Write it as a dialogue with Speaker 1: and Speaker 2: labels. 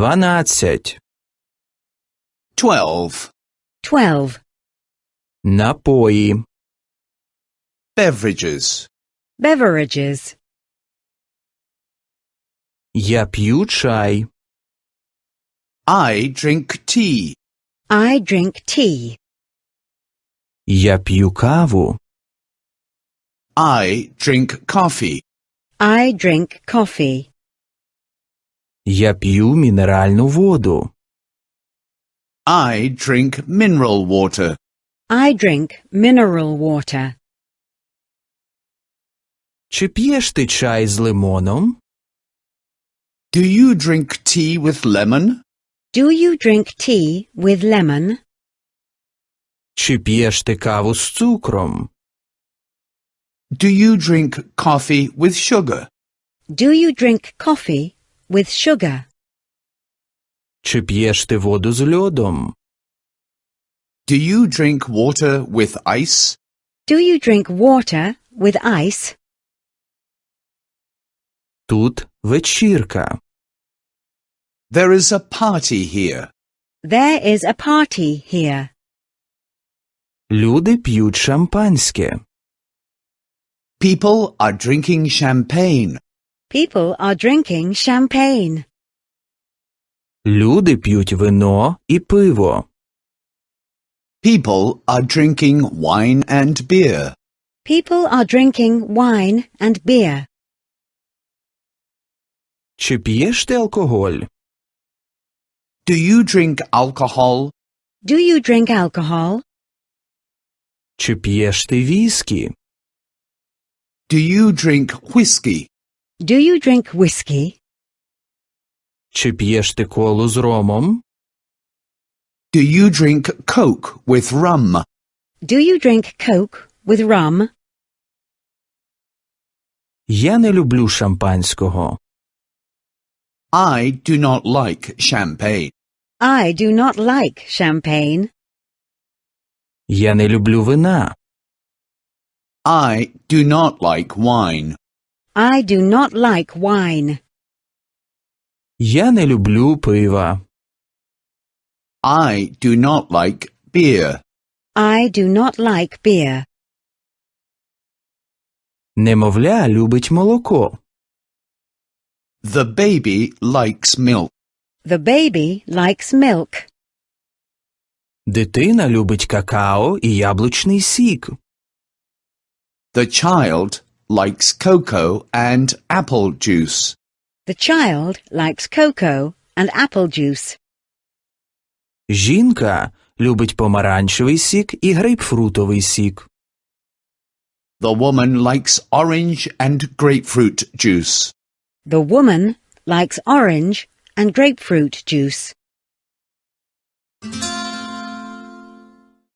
Speaker 1: 12.
Speaker 2: 12.
Speaker 3: 12.
Speaker 1: Напої.
Speaker 2: Beverages.
Speaker 3: Beverages.
Speaker 1: Я п'ю чай.
Speaker 2: I drink tea.
Speaker 3: I drink tea.
Speaker 1: Я п'ю каву.
Speaker 2: I drink coffee.
Speaker 3: I drink coffee.
Speaker 1: Я п'ю мінеральну воду.
Speaker 2: I drink mineral water.
Speaker 3: I drink mineral water.
Speaker 1: Чи п'єш ти чай з лимоном?
Speaker 2: Do you drink tea with lemon?
Speaker 3: Do you drink tea with lemon?
Speaker 1: Чи п'єш ти каву з цукром?
Speaker 2: Do you drink coffee with sugar?
Speaker 3: Do you drink coffee with sugar?
Speaker 1: Чи п'єш ти воду з льодом?
Speaker 2: Do you drink water with ice?
Speaker 3: Do you drink water with ice?
Speaker 1: Тут вечірка.
Speaker 2: There is a party here.
Speaker 3: There is a party here.
Speaker 1: Люди п'ють шампанське.
Speaker 2: People are drinking champagne.
Speaker 3: People are drinking champagne.
Speaker 1: Люди п'ють вино і пиво.
Speaker 2: People are drinking wine and beer.
Speaker 3: People are drinking wine and beer.
Speaker 1: Чи п'єш ти алкоголь?
Speaker 2: Do you drink alcohol?
Speaker 3: Do you drink alcohol?
Speaker 1: Чи п'єш ти віскі?
Speaker 2: Do you drink whiskey?
Speaker 3: Do you drink whiskey?
Speaker 1: Чи п'єш ти колу з ромом?
Speaker 2: Do you drink Coke with rum?
Speaker 3: Do you drink Coke with rum?
Speaker 1: Я не люблю шампанського.
Speaker 2: I do not like champagne.
Speaker 3: I do not like champagne.
Speaker 1: Я не люблю вина.
Speaker 2: I do not like wine.
Speaker 3: I do not like wine.
Speaker 1: Я не люблю пива.
Speaker 2: I do not like beer.
Speaker 3: I do not like beer.
Speaker 1: Немовля любить молоко.
Speaker 2: The baby likes milk.
Speaker 3: The baby likes milk.
Speaker 1: Дитина любить какао і яблучний сік.
Speaker 2: The child likes cocoa and apple juice.
Speaker 3: The child likes cocoa and apple juice.
Speaker 1: Жінка любить помаранчевий сік і грейпфрутовий сік.
Speaker 2: The woman likes orange and grapefruit juice.
Speaker 3: The woman likes orange and grapefruit juice.